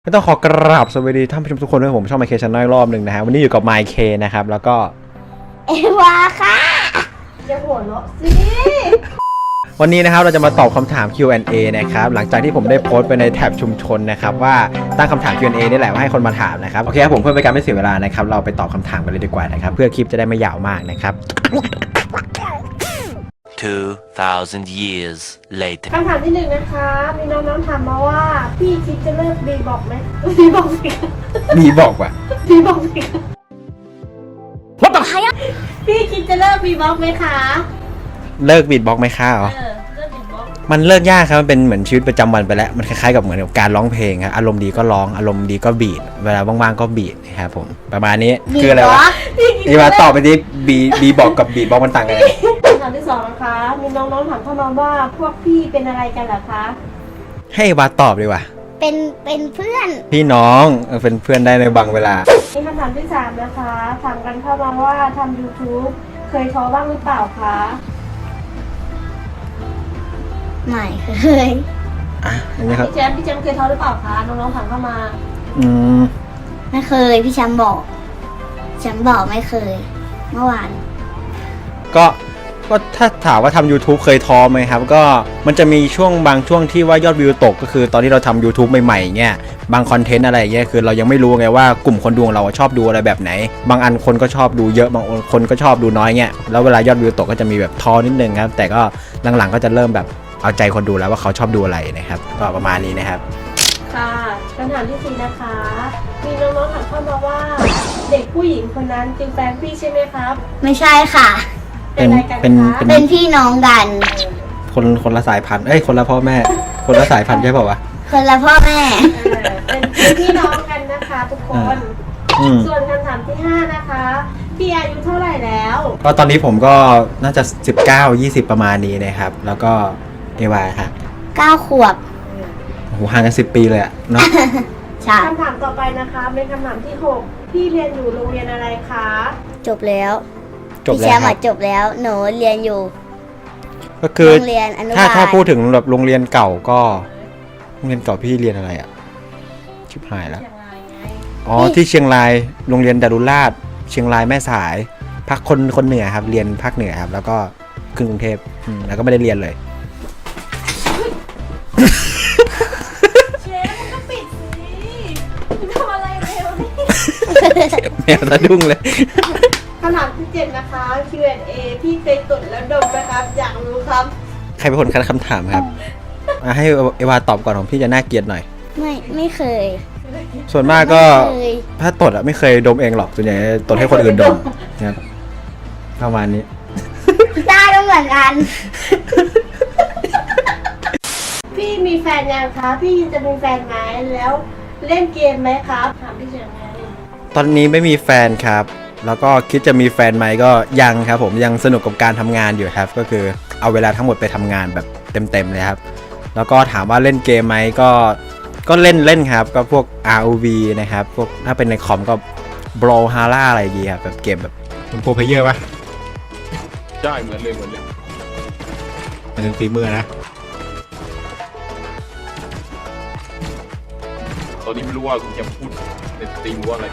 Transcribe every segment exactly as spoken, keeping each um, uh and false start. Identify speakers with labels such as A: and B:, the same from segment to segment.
A: ก็ต้องขอกราบสวัสดีท่านผู้ชมทุกคนด้วยผมช่องไมเคชันน้อยรอบหนึ่งนะฮะวันนี้อยู่กับไมเคนะครับแล้วก็
B: เอวาค่ะจะหัวเราะสิ
A: วันนี้นะครับเราจะมาตอบคำถาม คิว แอนด์ เอ นะครับหลังจากที่ผมได้โพสต์ไปในแท็บชุมชนนะครับว่าตั้งคำถาม คิว แอนด์ เอ นี่แหละว่าให้คนมาถามนะครับโอเคครับผมเพื่อเป็นการไม่เสียเวลานะครับเราไปตอบคำถามกันเลยดีกว่านะครับเพื่อคลิปจะได้ไม่ยาวมากนะครับ
C: two thousand years later
B: คำถามที่หนึ่งนะคะมีน้องๆถามมาว่าพี่คิดจะเลิกบีบอกไหมบีบอกสิ
A: มีบอกว่า
B: บีบอกสิว่าบอกใครอ่ะพี่คิดจะเลิกบีบอกไหมคะ
A: เลิกบีทบ็อกซ์ไหมคะเหรอมันเลิกยากครับมันเป็นเหมือนชีวิตประจำวันไปแล้วมันคล้ายๆกับเหมือนกับการร้องเพลงครับอารมณ์ดีก็ร้องอารมณ์ดีก็บีทเวลาว่างๆก็บีทนะครับผมประมาณนี้คืออะไรวะนี่มาตอบไปดิบีบีบอกกับบีทบ็อกซ์มันต่างกันยังไง
B: คำถามที่สองนะคะมีน้องๆถามเข้ามาว่าพวกพี่เป็นอะไรกันเหรอคะ
A: ให้วาตอบดีกว่า
B: เป็นเป็นเพื่อน
A: พี่น้องเป็นเพื่อนได้ในบางเวลา
B: มีคำถามที่สามนะคะถามกันเข้ามาว่าทำ ยูทูบ เคยท้อบ้างหรือเปล่าคะไม่เคย
A: อ่ะอันนี้ครับ
B: พี่แจมพี่แจมเคยท้อหรือเปล่าคะน้องๆถามเข้ามา
A: อืม
B: ไม่เคยพี่แจมบอกแจมบอกไม่เคยเมื่อวาน
A: ก็ก็ถ้าถามว่าทำ ยูทูบ เคยท้อไหมครับก็มันจะมีช่วงบางช่วงที่ว่ายอดวิวตกก็คือตอนที่เราทำ ยูทูบ ใหม่ๆเงี้ยบางคอนเทนต์อะไรเงี้ยคือเรายังไม่รู้ไงว่ากลุ่มคนดูของเราชอบดูอะไรแบบไหนบางอันคนก็ชอบดูเยอะบางคนก็ชอบดูน้อยเงี้ยแล้วเวลายอดวิวตกก็จะมีแบบท้อนิดนึงครับแต่ก็หลังๆก็จะเริ่มแบบเอาใจคนดูแล้วว่าเขาชอบดูอะไรนะครับก็ประมาณนี้นะครับ
B: ค่ะคำถามที่สี่นะคะมีน้องๆถามเข้ามาว่าเด็กผู้หญิงคนนั้นเป็นแฟนพี่ใช่ไหมครับไม่ใช่ค่ะ
A: เป็นเป็น
B: เป็นพี่น้องกัน
A: คนคนละสายพันธุ์เอ้ยคนละพ่อแม่คนละสายพันธุ์ใช่ป่าววะ
B: คนละพ่อแม่เป็นพี่น้องกันนะคะทุกคนส่วนคำถามที่ห้านะคะพี่อายุเท่าไหร่แล้ว
A: ก็ตอนนี้ผมก็น่าจะสิบเก้า ยี่สิบประมาณนี้นะครับแล้วก็เอวาค่ะ
B: เก้าขวบ
A: โหห่างกันสิบปีเลยอะเนาะ
B: ใช่คำถามต่อไปนะคะเป็นคำถามที่หกพี่เรียนอยู่โรงเรียนอะไรคะจบแล้ว
A: จบแล้วพี่แช
B: มป์จบแล้วหนูเรียนอยู่
A: ก็คือโรงเรียนอนุบาลถ้าถ้าพูดถึงแบบโรงเรียนเก่าก็โรงเรียนเก่าพี่เรียนอะไรอะชิบหายแล้วอ๋อที่เชียงรายโรงเรียนดารุราชเชียงรายแม่สายภาคคนคนเหนือครับเรียนภาคเหนือครับแล้วก็ขึ้นกรุงเทพแล้วก็ไม่ได้เรียนเลย
B: เชฟมันก็ปิดสิทำอะไรเร็วนี่
A: แมวสะดุ้งเลย
B: คำถามที่เจ็ดนะคะ คิว แอนด์ เอ พี่เคยตดแล้วดมไหมครับอยากรู้ครับ
A: ใครเป็นคนคัดคำถามครับให้เอวาตอบก่อนของพี่จะน่าเกลียดหน่อย
B: ไม่ไม่เคย
A: ส่วนมากก็ถ้าตดอะไม่เคยดมเองหรอกส่วนใหญ่ตดให้คนอื่นดมนะครับประมาณนี้
B: ได้ก็เหมือนกันพี่มีแฟนยังคะพี่จะมีแฟนไหมแล้วเล่นเกมไหมครับถามพี่เฉยไง
A: ตอนนี้ไม่มีแฟนครับแล้วก็คิดจะมีแฟนไหมก็ยังครับผมยังสนุกกับการทำงานอยู่ครับก็คือเอาเวลาทั้งหมดไปทำงานแบบเต็มๆเลยครับแล้วก็ถามว่าเล่นเกมไหมก็ก็เล่นเล่นครับก็พวก อาร์ โอ วี นะครับพวกถ้าเป็นในคอมก็ Brawlhalla อะไรอย่างเงี้ยแบบเกมแบบเป็นโปรเพลเยอร์ป่ะ
D: ใช่เหมือนเลยเหมือนเลย
A: มันถึงฝีมือนะ
D: ตอนนี้ไม่รู้ว่าคุณจะพูดในสตรีมว่าอะไร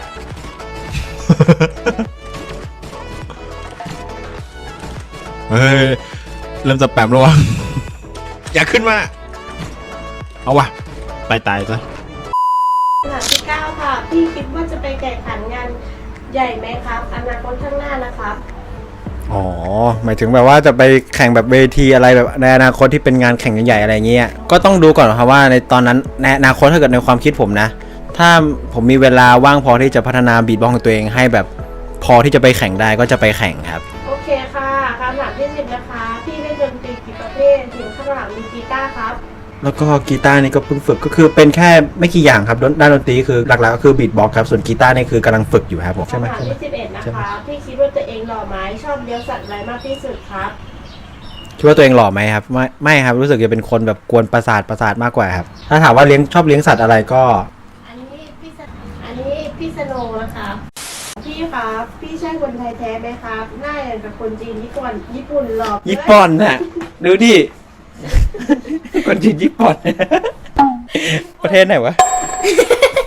A: เฮ้ยเริ่มจะแปมแล้ววะอย่าขึ้นมาเอาวะไปตายซะ
B: คำถามที่เก้าค่ะพี่คิดว่าจะไปแข่งขันงานใหญ่ไหมครับอนาคตข้างหน้านะครับ
A: อ๋อหมายถึงแบบว่าจะไปแข่งแบบเวทีอะไรแบบในอนาคตที่เป็นงานแข่งใหญ่ๆอะไรเงี้ยก็ต้องดูก่อนครับว่าในตอนนั้นในอนาคตถ้าเกิดในความคิดผมนะถ้าผมมีเวลาว่างพอที่จะพัฒนาบีทบ็อกซ์ของตัวเองให้แบบพอที่จะไปแข่งได้ก็จะไปแข่งครับ
B: โอเคค่ะคำถามที่สิบนะคะพี่เล่นดนตรีกี่ประเภทถึงข้างหลังมีกีตาร์ครับ
A: แล้วก็กีตาร์นี่ก็เพิ่งฝึกก็คือเป็นแค่ไม่กี่อย่างครับด้านดนตรีคือหลักๆก็คือบีทบ็อกซ์ครับส่วนกีตาร์นี่คือกำลังฝึกอยู่ครับผมใช่ไหม
B: คำถามที่สิบเอ็ดนะคะพี่คิดว่าตัวเองหล่อไหมชอบเลี้ยงสัตว์อะไรมากที่สุดครับ
A: คิดว่าตัวเองหล่อไหมครับไม่ไม่ครับรู้สึกจะเป็นคนแบบกวนประสาทประสาทมากกว่าครับถ้าถามว่าเลี้ยงชอบเลี้ยงสัตว์อะไรก็
B: อันนี้พี่อันนี้พี่สโนนะคะพี่ครับพี่ใช่คนไทยแท้ไหมครับหน้าอย่างกับคนจีนญี่ปุ่นญี่ปุ่นหล่อ
A: ญี่ปุ่นน่ะดูดิคนจีนญี่ปุ่นประเทศไหนวะ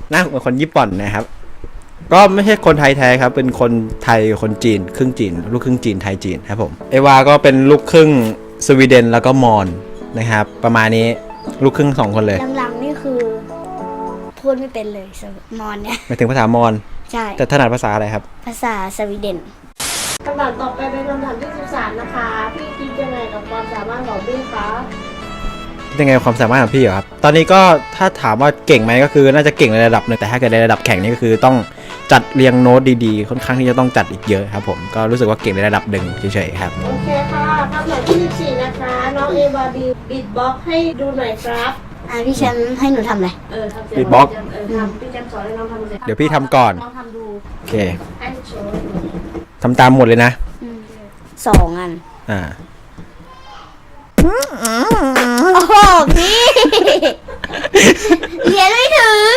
A: หน้าเหมือนคนญี่ปุ่นนะครับ ก็ไม่ใช่คนไทยแท้ครับเป็นคนไทยคนจีนครึ่งจีนลูกครึ่งจีนไทยจีนครับผมเอวาก็เป็นลูกครึ่งสวีเดนแล้วก็มอญนะครับประมาณนี้ลูกครึ่งสองคนเลย
E: หลังๆนี่คือพูดไม่เป็นเลยสวมอนเนี่ย
A: หมายถึงภาษามอญ
E: ใช่
A: แต่ถนัดภาษาอะไรครับ
E: ภาษาสวีเดน
B: คำถามต่อไปเป็นคำถามที่สิบสามนะคะ พี่คิดยังไงกับความสามารถของพี่คะ
A: ยังไงความสามารถของพี่เหรอครับตอนนี้ก็ถ้าถามว่าเก่งไหมก็คือน่าจะเก่งในระดับหนึ่งแต่ถ้าเกิดในระดับแข่งนี่ก็คือต้องจัดเรียงโน้ตดีๆค่อนข้างที่จะต้องจัดอีกเยอะครับผมก็รู้สึกว่าเก่งในระดับหนึ่งเฉยๆครับ
B: โอเคค่ะคำถามที่สิบสี่นะคะ น้องเอวาบีบิดบ็อกให้ดูหน่อยครับ
E: อ่ะพี่แชมป์ให้หนูทำอะไร
B: เออทำเสียง
A: Beatbox
B: เออทำพี่แจมสอนให้น้องทำเสียง
A: เดี๋ยวพี่ทำก่อน
B: น้องทำดู
A: โอเค
B: ให้โชว์
A: ทำตามหมดเลยนะ
E: สองอัน
A: อ่า
E: โอ้โหพี่เรียนไม่ถึง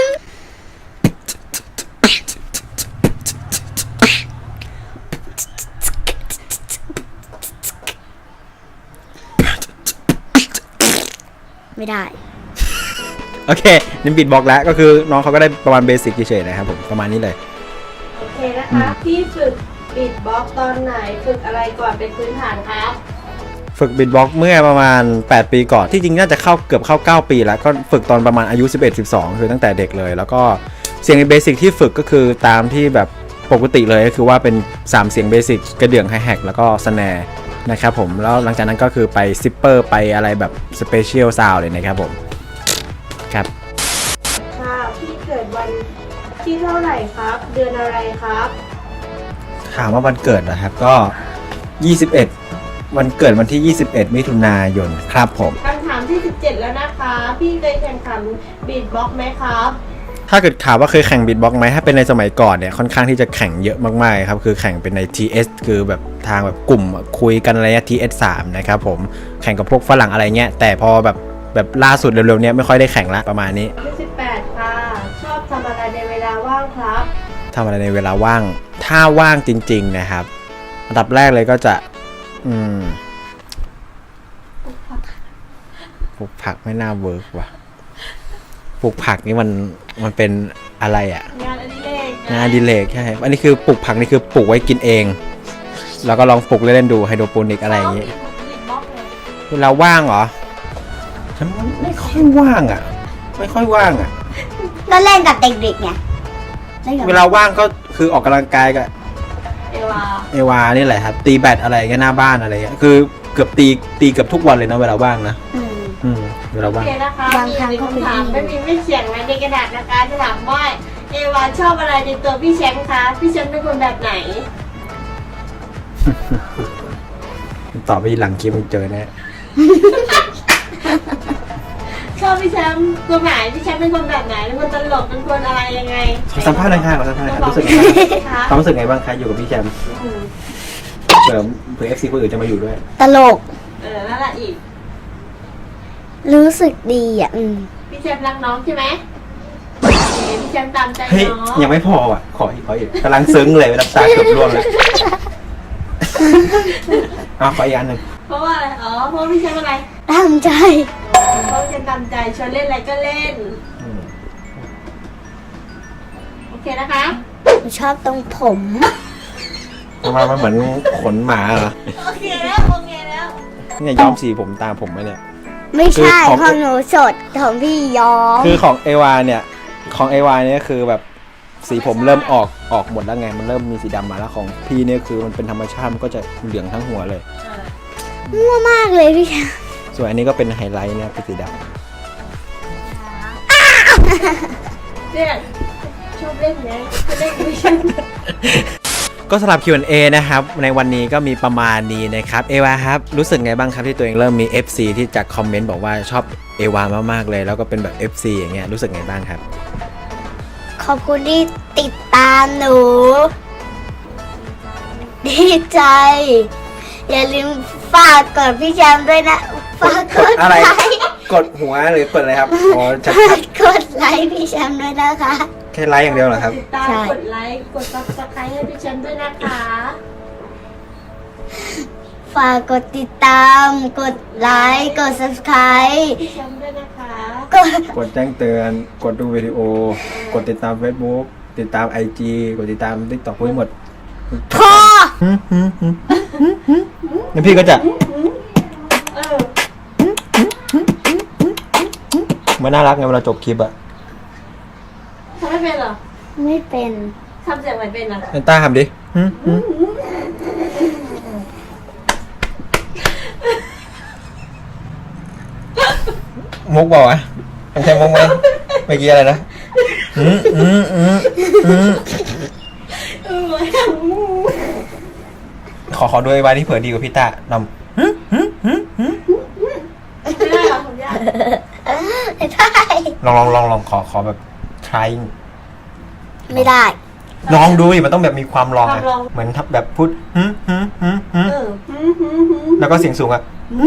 E: ไม่ได้
A: โอเคนี่บิดบอกแล้วก็คือน้องเขาก็ได้ประมาณเบสิกเฉยๆนะครับผมประมาณนี้เลย
B: โอเคนะคะ พี่ฝึกบิดบ็อกตอนไหนฝึกอะไรก่อนเป็นพื้นฐานครับ
A: ฝึกบิดบ็อกเมื่อประมาณแปดปีก่อนที่จริงน่าจะเข้าเกือบเข้าเก้าปีแล้วก็ฝึกตอนประมาณอายุสิบเอ็ด สิบสองคือตั้งแต่เด็กเลยแล้วก็เสียงเบสิกที่ฝึกก็คือตามที่แบบปกติเลยก็คือว่าเป็นสามเสียงเบสิกกระเดื่องไฮแฮกแล้วก็สแนร์นะครับผมแล้วหลังจากนั้นก็คือไปซิปเปอร์ไปอะไรแบบสเปเชียลซาวด์เลยนะครับผมครับ
B: ค่ะพี่เกิดวันที่เท่าไหร่ครับ เดือนอะไรครับ
A: ถามว่าวันเกิดนะครับก็ยี่สิบเอ็ดวันเกิดวันที่ยี่สิบเอ็ดมิถุนายนครับผม
B: คำถามที่สิบเจ็ดแล้วนะคะ พี่เคยแข่งขันบีทบ็อกซ์ไหมครับ
A: ถ้าเกิดถามว่าเคยแข่งบีทบ็อกซ์ไหมถ้าเป็นในสมัยก่อนเนี่ยค่อนข้างที่จะแข่งเยอะมากๆครับคือแข่งเป็นใน ที เอส คือแบบทางแบบกลุ่มคุยกันอะไรเงี้ย ที เอส สาม นะครับผมแข่งกับพวกฝรั่งอะไรเงี้ยแต่พอแบบแบบล่าสุดเร็วๆเนี้ยไม่ค่อยได้แข่งละประมาณนี้
B: ที่สิบแปดค่ะ ชอบทำอะไรในเวลาว่างครับ
A: ทำอะไรในเวลาว่าง ถ้าว่างจริงๆนะครับอันดับแรกเลยก็จะอืมปลูกผักไม่น่าเวิร์กว่ะปลูกผักนี่มันมันเป็นอะไรอ่ะ
B: งานอดิเรก
A: งานอดิเลกใช่อันนี้คือปลูกผักนี่คือปลูกไว้กินเอง แล้วก็ลองปลูกเล่นๆดูไฮโดรโปนิกอะไรอย่างงี้
B: บีทบ็อกซ์เลย
A: เวลาว่างเหรอฉันไม่ค่อยว่างอ่ะ ไม่ค่อยว่างอ่ะ
E: ก็เล่นกับเด็กๆไงเล่นกับ
A: เวลาว่างก็คือออกกำลังกายกับ
B: เอวา
A: เอวานี่แหละครับตีแบดอะไรเงี้ยหน้าบ้านอะไรเงี้ยคือเกือบตีตีเกือบทุกวันเลยนะเวลาว่างนะ
E: อืม
A: อืมเวลา
B: โอ
A: ว่าง
B: เคนะคะ
E: บางครั้ง
B: มี
E: ก็
B: คำถาม
E: ไม่
B: ไม่
E: ดี
B: มีไม่เขียนไว้ในกระดาษนะคะจะถามว่าเอวาชอบอะไรในตัวพี่แชมป์คะ พี่แชมป์เป็นคนแบบไหน
A: ตอบไปหลังคลิปมันเจอแน่
B: ชอบพี่แชมป์ตัวไหนพี่แชมป์เป็นคนแบบไหนเป็นคนตลกเป็นคนอะไรยังไง
A: ขอสัมภาษณ์หน่อยค่ะขอสัมภาษณ์หน่อยค่ะรู้สึกไงบ้างความรู้สึกไงบ้างคะอยู่กับพี่แชมป์
B: อืม
A: เผื่อเผื่อเอฟซีคนอื่นจะมาอยู่ด้วย
E: ตลก
B: เออนั่นแหละอีก
E: รู้สึกดีอ่ะ อืม
B: พี่แชมป์รักน้องใช่ไหมโอเคพี่แชมป์ตามใจ
A: เฮ้ย
B: น้อง
A: ยังไม่พออ่ะขออีกขออีกกำลังซึ้งเลยน้ำตาเกือบร่วงเลยเอาขออีกอันหนึ่ง
B: เพราะว่าอะไรอ๋อเพราะพี่แชมป์อะไร
E: ตั้งใจ
B: เพราะพี่แชมป์ตามใจชวนเล่นอะไรก็เล่น
A: อืม
B: โอเคนะคะ
E: หนูชอบตรงผม
A: ทำไมมันเหมือนขนหมาเหรอ
B: โอเคแล้วโอเคแล้ว
A: เนี่ยย้อมสีผมตามผมไหมเนี่ย
E: ไม่ใช่
A: คือของ
E: ของหนูสดของพี่ย้อม
A: คือของเอวาเนี่ยของเอวาเนี่ยคือแบบสีผมเริ่มออกออกหมดแล้วไงมันเริ่มมีสีดำมาแล้วของพี่เนี่ยคือมันเป็นธรรมชาติมันก็จะเหลืองทั้งหัวเลย
E: มั่วมากเลยพี่แชมป์
A: ส่วนอันนี้ก็เป็นไฮไลท์เนี่ยเป็นสีด
B: เนี่ยชอบเล่นไงจะเล่นไม่ใช่
A: ำก็สำหรับ คิว แอนด์ เอ นะครับในวันนี้ก็มีประมาณนี้นะครับเอวาครับรู้สึกไงบ้างครับที่ตัวเองเริ่มมี เอฟ ซี ที่จากคอมเมนต์บอกว่าชอบเอวามากๆเลยแล้วก็เป็นแบบ เอฟ ซี อย่างเงี้ยรู้สึกไงบ้างครับ
E: ขอบคุณที่ติดตามหนู ดีใจ อย่าลืมฝากกดพี่แชมป์ด้วยนะ ฝากกด
A: อะไร
E: ไลค์
A: กดหัวหรือกดอะไรครับอ๋อจะ
E: ฝากกดไลค์พี่แชมป์ด้วยนะคะ
A: แค่ไลค์อย่างเดียวเหรอครับ
B: ติดตาม
E: ใช่
B: กดไลค์ กดซับสไครต์ให้พี่แชมป์ด้วยนะคะ
E: ฝากกดติดตาม กดไลค์กด subscribe
B: พี่แชมป์ด้วยนะคะ
E: กด
A: กดแจ้งเตือน กดดูวิดีโอ กดติดตาม Facebook ติดตาม ไอ จี กดติดตาม TikTok ทั้งหมด
E: พอ
A: แล้วพี่ก็จะ
B: เออ
A: มันน่ารักไงเวลาจบคลิปอะ
B: ทำไม่เป็นเหรอ
E: ไม่เป็น
B: ทำเสียงไม่เป็นเหรอ
A: เนต้าทำดิมุกบอกอ่ะมันใช่มุกไหมเมื่อกี้อะไรนะอืมอืมอืมอืม
B: เออ
A: ขอขอด้วยไว้ที่เผื่อดีกว่าพี่ต้านำ
B: ไม่ได้เหรอผมยาก
E: ไม่ได้
A: ลองลองลองลองขอขอแบบ trying
E: ไม่ได้
A: ลองดูดิมันต้องแบบมีความลองอะเหมือนทับแบบพูดฮึฮึฮึฮึ
B: เออ
A: แล้วก็เสียงสูงอะ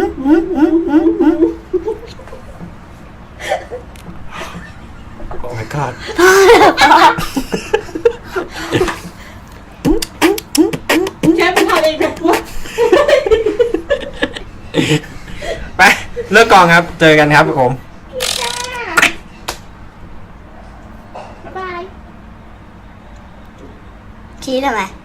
A: โอ้ my god
B: แชมป์ทำเองแต่พูด
A: ไปเลิกกองครับ เจอกันครับผม
B: บ๊ายบาย
E: ชี้ทำไม